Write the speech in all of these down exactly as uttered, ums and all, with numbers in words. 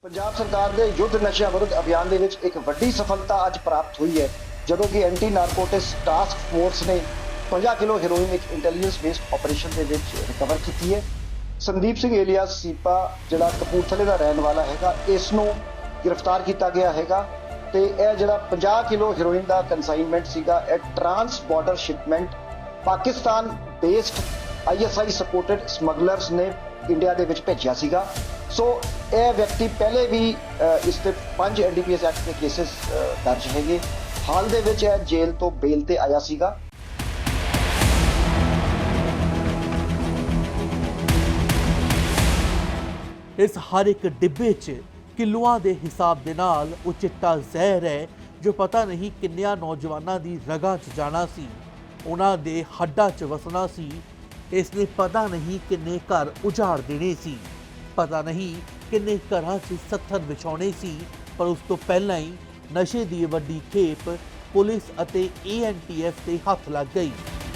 ਪੰਜਾਬ ਸਰਕਾਰ ਦੇ ਯੁੱਧ ਨਸ਼ਿਆਂ ਵਿਰੁੱਧ ਅਭਿਆਨ ਦੇ ਵਿੱਚ ਇੱਕ ਵੱਡੀ ਸਫਲਤਾ ਅੱਜ ਪ੍ਰਾਪਤ ਹੋਈ ਹੈ ਜਦੋਂ ਕਿ ਐਂਟੀ ਨਾਰਕੋਟਿਕਸ ਟਾਸਕ ਫੋਰਸ ਨੇ ਪੰਜਾਹ ਕਿਲੋ ਹੈਰੋਇਨ ਇੱਕ ਇੰਟੈਲੀਜੈਂਸ ਬੇਸਡ ਆਪਰੇਸ਼ਨ ਦੇ ਵਿੱਚ ਰਿਕਵਰ ਕੀਤੀ ਹੈ। ਸੰਦੀਪ ਸਿੰਘ ਏਲੀਆਸ ਸੀਪਾ ਜਿਹੜਾ ਕਪੂਰਥਲੇ ਦਾ ਰਹਿਣ ਵਾਲਾ ਹੈਗਾ, ਇਸ ਨੂੰ ਗ੍ਰਿਫਤਾਰ ਕੀਤਾ ਗਿਆ ਹੈਗਾ ਤੇ ਇਹ ਜਿਹੜਾ ਪੰਜਾਹ ਕਿਲੋ ਹੈਰੋਇਨ ਦਾ ਕੰਸਾਈਨਮੈਂਟ ਸੀਗਾ, ਇਹ trans border shipment Pakistan based I S I supported smugglers ਨੇ ਇੰਡੀਆ ਦੇ ਵਿੱਚ ਭੇਜਿਆ ਸੀਗਾ। ਸੋ ਇਹ ਵਿਅਕਤੀ ਪਹਿਲੇ ਵੀ ਇਸ ਤੇ ਪੰਜ N D P S act ਦੇ ਕੇਸਿਸ ਦਰਜ ਹੈਗੇ। ਹਾਲ ਦੇ ਵਿੱਚ ਇਹ ਜੇਲ੍ਹ ਤੋਂ ਬੇਲ ਤੇ ਆਇਆ ਸੀਗਾ। ਇਸ ਹਰ ਇੱਕ ਡਿੱਬੇ 'ਚ ਕਿਲੋਆਂ ਦੇ ਹਿਸਾਬ ਦੇ ਨਾਲ ਉਹ ਚਿੱਟਾ ਜ਼ਹਿਰ ਹੈ ਜੋ ਪਤਾ ਨਹੀਂ ਕਿੰਨਿਆਂ ਨੌਜਵਾਨਾਂ ਦੀ ਰਗਾਂ 'ਚ ਜਾਣਾ ਸੀ, ਉਹਨਾਂ ਦੇ ਹੱਡਾਂ 'ਚ ਵਸਣਾ ਸੀ। ਇਸ ਨੇ ਪਤਾ ਨਹੀਂ ਕਿੰਨੇ ਘਰ ਉਜਾੜ ਦੇਣੇ ਸੀ, ਪਤਾ ਨਹੀਂ ਕਿੰਨੇ ਘਰਾਂ 'ਚ ਸੱਥਰ ਵਿਛਾਉਣੇ ਸੀ। ਪਰ ਉਸ ਤੋਂ ਪਹਿਲਾਂ ਹੀ ਨਸ਼ੇ ਦੀ ਵੱਡੀ ਖੇਪ ਪੁਲਿਸ ਅਤੇ ਏ ਐਨ ਟੀ ਐਫ ਦੇ ਹੱਥ ਲੱਗ ਗਈ।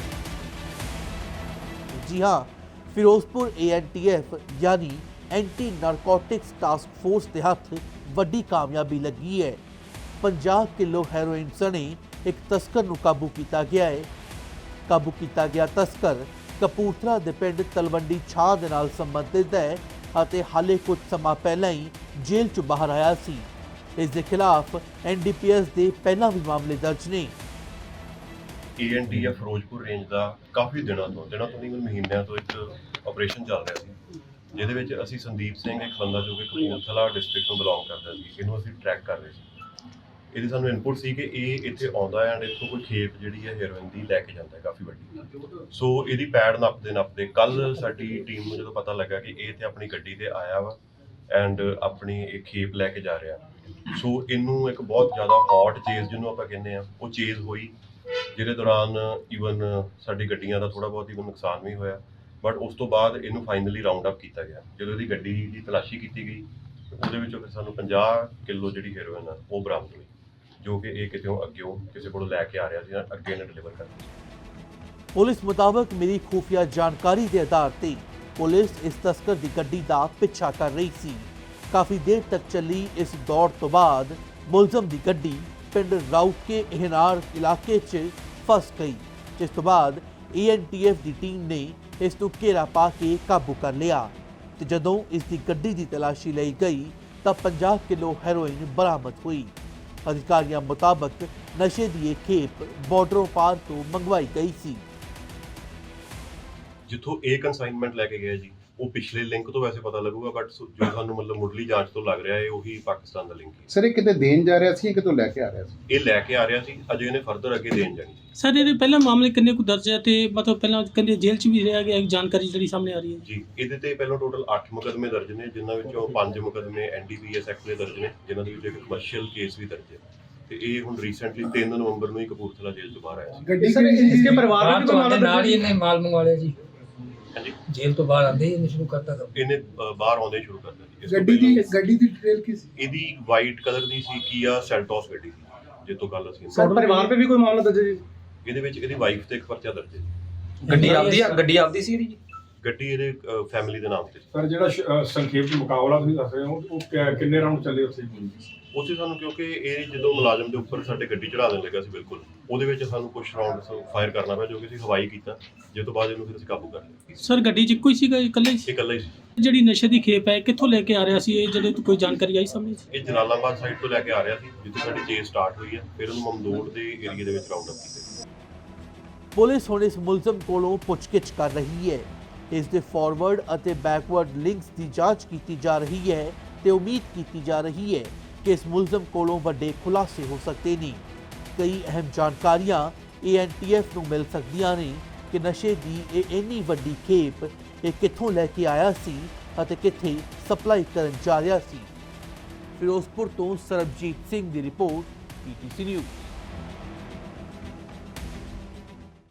ਜੀ ਹਾਂ, Firozpur A N T F ਯਾਨੀ ਐਂਟੀ ਨਾਰਕੋਟਿਕਸ ਟਾਸਕ ਫੋਰਸ ਦੇ ਹੱਥ ਵੱਡੀ ਕਾਮਯਾਬੀ ਲੱਗੀ ਹੈ। ਪੰਜਾਹ ਕਿਲੋ ਹੈਰੋਇਨ ਸਣੇ ਇੱਕ ਤਸਕਰ ਨੂੰ ਕਾਬੂ ਕੀਤਾ ਗਿਆ ਹੈ। ਕਾਬੂ ਕੀਤਾ ਗਿਆ ਤਸਕਰ ਕਪੂਰਥਲਾ ਦੇ ਪਿੰਡ ਤਲਵੰਡੀ ਛਾਂ ਦੇ ਨਾਲ ਸੰਬੰਧਿਤ ਹੈ ਅਤੇ ਹਾਲੇ ਕੁਝ ਸਮਾਂ ਪਹਿਲਾਂ ਹੀ ਜੇਲ੍ਹ 'ਚ ਬਾਹਰ ਆਇਆ ਸੀ। ਇਸ ਦੇ ਖਿਲਾਫ ਐਨ ਡੀ ਪੀ ਐਸ ਦੇ ਪਹਿਲਾਂ ਵੀ ਮਾਮਲੇ ਦਰਜ ਨੇ। A N T F Firozpur range ਦਾ ਕਾਫੀ ਦਿਨਾਂ ਤੋਂ ਦਿਨਾਂ ਤੋਂ ਨਹੀਂ ਮਹੀਨਿਆਂ ਤੋਂ ਇੱਕ ਆਪਰੇਸ਼ਨ ਚੱਲ ਰਿਹਾ ਸੀ, ਜਿਹਦੇ ਵਿੱਚ ਅਸੀਂ ਸੰਦੀਪ ਸਿੰਘ ਇੱਕ ਬੰਦਾ ਜੋ ਕਿ ਕਪੂਰਥਲਾ ਡਿਸਟ੍ਰਿਕਟ ਤੋਂ ਬਿਲੋਂਗ ਕਰਦਾ ਸੀ, ਇਹਨੂੰ ਅਸੀਂ ਟਰੈਕ ਕਰ ਰਹੇ ਸੀ। ਇਹਦੀ ਸਾਨੂੰ ਇਨਪੁਟ ਸੀ ਕਿ ਇਹ ਇੱਥੇ ਆਉਂਦਾ ਹੈ ਐਂਡ ਇੱਥੋਂ ਕੋਈ ਖੇਪ ਜਿਹੜੀ ਹੈ ਹੈਰੋਇਨ ਦੀ ਲੈ ਕੇ ਜਾਂਦਾ ਹੈ ਕਾਫੀ ਵੱਡੀ। ਸੋ ਇਹਦੀ ਪੈੜ ਨੱਪਦੇ ਨੱਪਦੇ ਕੱਲ ਸਾਡੀ ਟੀਮ ਨੂੰ ਜਦੋਂ ਪਤਾ ਲੱਗਾ ਕਿ ਇਹ ਇੱਥੇ ਆਪਣੀ ਗੱਡੀ ਤੇ ਆਇਆ ਵਾ ਐਂਡ ਆਪਣੀ ਇਹ ਖੇਪ ਲੈ ਕੇ ਜਾ ਰਿਹਾ, ਸੋ ਇਹਨੂੰ ਇੱਕ ਬਹੁਤ ਜ਼ਿਆਦਾ ਹੌਟ ਚੇਜ਼ ਜਿਹਨੂੰ ਆਪਾਂ ਕਹਿੰਦੇ ਆ ਉਹ ਚੇਜ਼ ਹੋਈ, ਜਿਹਦੇ ਦੌਰਾਨ ਈਵਨ ਸਾਡੀ ਗੱਡੀਆਂ ਦਾ ਥੋੜਾ ਬਹੁਤ ਈਵਨ ਨੁਕਸਾਨ ਵੀ ਹੋਇਆ। ਬਟ ਉਸ ਤੋਂ ਬਾਅਦ ਇਹਨੂੰ ਫਾਈਨਲੀ ਰਾਉਂਡ ਅਪ ਕੀਤਾ ਗਿਆ। ਜਦੋਂ ਇਹਦੀ ਗੱਡੀ ਦੀ ਤਲਾਸ਼ੀ ਕੀਤੀ ਗਈ ਉਹਦੇ ਵਿੱਚੋਂ ਫਿਰ ਸਾਨੂੰ ਪੰਜਾਹ ਕਿਲੋ ਜਿਹੜੀ ਹੈਰੋਇਨ ਆ ਉਹ ਬਰਾਮਦ ਹੋਈ, ਜੋ ਕਿ ਇਹ ਕਿਤੇੋਂ ਅੱਗਿਓਂ ਕਿਸੇ ਕੋਲੋਂ ਲੈ ਕੇ ਆ ਰਿਹਾ ਸੀ, ਅੱਗੇ ਇਹਨੇ ਡਿਲੀਵਰ ਕਰਨੀ ਸੀ। ਪੁਲਿਸ ਮੁਤਾਬਕ ਮਿਲੀ ਖੂਫੀਆ ਜਾਣਕਾਰੀ ਦੇ ਆਧਾਰ ਤੇ ਪੁਲਿਸ ਇਸ ਤਸਕਰ ਦੀ ਗੱਡੀ ਦਾ ਪਿੱਛਾ ਕਰ ਰਹੀ ਸੀ। ਕਾਫੀ ਦੇਰ ਤੱਕ ਚੱਲੀ ਇਸ ਦੌੜ ਤੋਂ ਬਾਅਦ ਮੁਲਜ਼ਮ ਦੀ ਗੱਡੀ ਪਿੰਡ ਰਾਊਕੇ ehnar ਇਲਾਕੇ 'ਚ ਫਸ ਗਈ, ਜਿਸ ਤੋਂ ਬਾਅਦ ਏ ਐਨ ਟੀ ਐਫ ਦੀ ਟੀਮ ਨੇ ਇਸ ਨੂੰ ਘੇਰਾ ਪਾ ਕੇ ਕਾਬੂ ਕਰ ਲਿਆ ਤੇ ਜਦੋਂ ਇਸ ਦੀ ਗੱਡੀ ਦੀ ਤਲਾਸ਼ੀ ਲਈ ਗਈ ਤਾਂ ਪੰਜਾਹ ਕਿਲੋ ਹੈਰੋਇਨ ਬਰਾਮਦ ਹੋਈ। ਅਧਿਕਾਰੀਆਂ ਮੁਤਾਬਕ ਨਸ਼ੇ ਦੀ ਇਹ ਖੇਪ ਬਾਰਡਰੋਂ ਪਾਰ ਤੋਂ ਮੰਗਵਾਈ ਗਈ ਸੀ। ਜਿੱਥੋਂ ਇਹ ਕੰਸਾਈਨਮੈਂਟ ਲੈ ਕੇ ਗਿਆ ਜੀ, ਉਹ ਪਿਛਲੇ ਲਿੰਕ ਤੋਂ ਵੈਸੇ ਪਤਾ ਲੱਗੂਗਾ, ਬਟ ਜੋ ਸਾਨੂੰ ਮਤਲਬ ਮੁੱਢਲੀ ਜਾਂਚ ਤੋਂ ਲੱਗ ਰਿਹਾ ਹੈ ਉਹੀ ਪਾਕਿਸਤਾਨ ਦਾ ਲਿੰਕ ਹੈ। ਸਰ ਇਹ ਕਿਤੇ ਦੇਣ ਜਾ ਰਿਹਾ ਸੀ, ਕਿਤੋਂ ਲੈ ਕੇ ਆ ਰਿਹਾ ਸੀ? ਇਹ ਲੈ ਕੇ ਆ ਰਿਹਾ ਸੀ, ਅਜੇ ਇਹਨੇ ਫਰਦਰ ਅੱਗੇ ਦੇਣ ਜਾਣੀ ਸੀ। ਸਰ ਇਹਦੇ ਪਹਿਲਾਂ ਮਾਮਲੇ ਕਿੰਨੇ ਕੁ ਦਰਜ ਹੈ ਤੇ ਮਤਲਬ ਪਹਿਲਾਂ ਕਹਿੰਦੇ ਜੇਲ੍ਹ 'ਚ ਵੀ ਰਿਹਾ ਗਿਆ, ਇੱਕ ਜਾਣਕਾਰੀ ਜਿਹੜੀ ਸਾਹਮਣੇ ਆ ਰਹੀ ਹੈ ਜੀ। ਇਹਦੇ ਤੇ ਪਹਿਲਾਂ ਟੋਟਲ ਅੱਠ ਮੁਕੱਦਮੇ ਦਰਜ ਨੇ, ਜਿਨ੍ਹਾਂ ਵਿੱਚੋਂ ਪੰਜ ਮੁਕੱਦਮੇ N D P S act ਦੇ ਦਰਜ ਨੇ, ਜਿਨ੍ਹਾਂ ਦੇ ਵਿੱਚ ਇੱਕ ਕਮਰਸ਼ੀਅਲ ਕੇਸ ਵੀ ਦਰਜ ਹੈ। ਤੇ ਇਹ ਹੁਣ ਰੀਸੈਂਟਲੀ ਤਿੰਨ ਨਵੰਬਰ ਨੂੰ ਹੀ ਕਪੂਰਥਲਾ ਜੇਲ੍ਹ ਤੋਂ ਬਾਹਰ ਆਇਆ ਸੀ। ਗੱਡੀ ਸਰ ਇਸਕੇ ਪਰਿਵਾਰ में भी कोई मामला नाल ही इन्हें माल मंगवा लिया जी, ਹਾਂਜੀ, जेल तो बाहर आते ही इन्हें शुरू करता था। ਇਹਨੇ ਅ, ਬਾਹਰ ਆਉਂਦੇ ਹੀ ਸ਼ੁਰੂ ਕਰ ਦਿੱਤਾ ਜੀ। ਇਸ ਤੋਂ ਗੱਡੀ ਦੀ ਪਹਿਲਾਂ ਗੱਡੀ ਦੀ ਡਿਟੇਲ ਕੀ ਸੀ? ਇਹਦੀ ਵਾਈਟ ਕਲਰ ਦੀ ਸੀ, ਕੀਆ ਸੈਲਟੋਸ ਗੱਡੀ ਸੀ, ਜਿੱਥੋਂ ਕੱਲ ਅਸੀਂ ਸਰ ਪਰਿਵਾਰ पे भी कोई मामला दर्ज है? ਇਹਦੇ ਵਿੱਚ ਇਹਦੀ ਵਾਈਫ ਤੇ ਇੱਕ ਪਰਚਾ ਦਰਜ ਹੈ ਜੀ। गड्डी आपदी गड्डी आपदी सी जी, ਗੱਡੀ ਇਹਦੇ ਫੈਮਿਲੀ ਦੇ ਨਾਮ ਤੇ ਸੀ। ਸਰ ਜਿਹੜਾ ਸ਼- ਸੰਖੇਪ ਚ ਮੁਕਾਬਲਾ ਤੁਸੀਂ ਦੱਸ ਰਹੇ ਹੋ ਉਹ ਕਿ- ਕਿੰਨੇ ਰਾਉਂਡ ਚੱਲੇ ਉੱਥੇ? ਉੱਥੇ ਸਾਨੂੰ ਕਿਉਂਕਿ ਇਹ ਜਦੋਂ ਮੁਲਾਜ਼ਮ ਦੇ ਉੱਪਰ ਸਾਡੇ ਗੱਡੀ ਚੜਾ ਦੇਣ ਲੱਗਾ ਸੀ, ਬਿਲਕੁਲ ਉਹਦੇ ਵਿੱਚ ਸਾਨੂੰ ਕੁਝ ਰਾਉਂਡ ਫਾਇਰ ਕਰਨਾ ਪਿਆ, ਜੋ ਕਿ ਅਸੀਂ ਹਵਾਈ ਕੀਤਾ, ਜਿਸ ਤੋਂ ਬਾਅਦ ਇਹਨੂੰ ਫਿਰ ਅਸੀਂ ਕਾਬੂ ਕਰ ਲਿਆ। ਸਰ ਗੱਡੀ 'ਚ ਇੱਕੋ ਹੀ ਸੀਗਾ, ਇਕੱਲਾ ਹੀ ਸੀ? ਇਹ ਇਕੱਲਾ ਹੀ ਸੀ। ਜਿਹੜੀ ਨਸ਼ੇ ਦੀ ਖੇਪ ਹੈ ਕਿੱਥੋਂ ਲੈ ਕੇ ਆ ਰਿਹਾ ਸੀ ਇਹ, ਜਿਹੜੇ ਤੋਂ ਕੋਈ ਜਾਣਕਾਰੀ ਆਈ ਸਾਹਮਣੇ? ਇਹ ਜਲਾਲਾਬਾਦ ਸਾਈਡ ਤੋਂ ਲੈ ਕੇ ਆ ਰਿਹਾ ਸੀ, ਜਿੱਥੇ ਸਾਡੀ ਚੇਸ ਸਟਾਰਟ ਹੋਈ ਹੈ, ਫਿਰ ਉਹਨੂੰ ਮਮਦੋੜ ਦੇ ਏਰੀਆ ਦੇ ਵਿੱਚ ਰਾਉਂਡ ਅਪ ਕੀਤਾ। ਪੁਲਿਸ ਹੁਣ ਇਸ ਮੁਲਜ਼ਮ ਕੋਲੋਂ ਪੁੱਛਗਿੱਛ ਕਰ ਰਹੀ ਹੈ। ਇਸ ਦੇ ਫਾਰਵਰਡ ਅਤੇ ਬੈਕਵਰਡ ਲਿੰਕਸ ਦੀ ਜਾਂਚ ਕੀਤੀ ਜਾ ਰਹੀ ਹੈ ਤੇ ਉਮੀਦ ਕੀਤੀ ਜਾ ਰਹੀ ਹੈ ਕਿ ਇਸ ਮੁਲਜ਼ਮ ਕੋਲੋਂ ਵੱਡੇ ਖੁਲਾਸੇ ਹੋ ਸਕਦੇ ਨੇ। ਕਈ ਅਹਿਮ ਜਾਣਕਾਰੀਆਂ ਏ ਐਨ ਟੀ ਐਫ ਨੂੰ ਮਿਲ ਸਕਦੀਆਂ ਨੇ ਕਿ ਨਸ਼ੇ ਦੀ ਇਹ ਇੰਨੀ ਵੱਡੀ ਖੇਪ ਇਹ ਕਿੱਥੋਂ ਲੈ ਕੇ ਆਇਆ ਸੀ ਅਤੇ ਕਿੱਥੇ ਸਪਲਾਈ ਕਰਨ ਜਾ ਰਿਹਾ ਸੀ। ਫਿਰੋਜ਼ਪੁਰ ਤੋਂ ਸਰਬਜੀਤ ਸਿੰਘ ਦੀ report P T C news.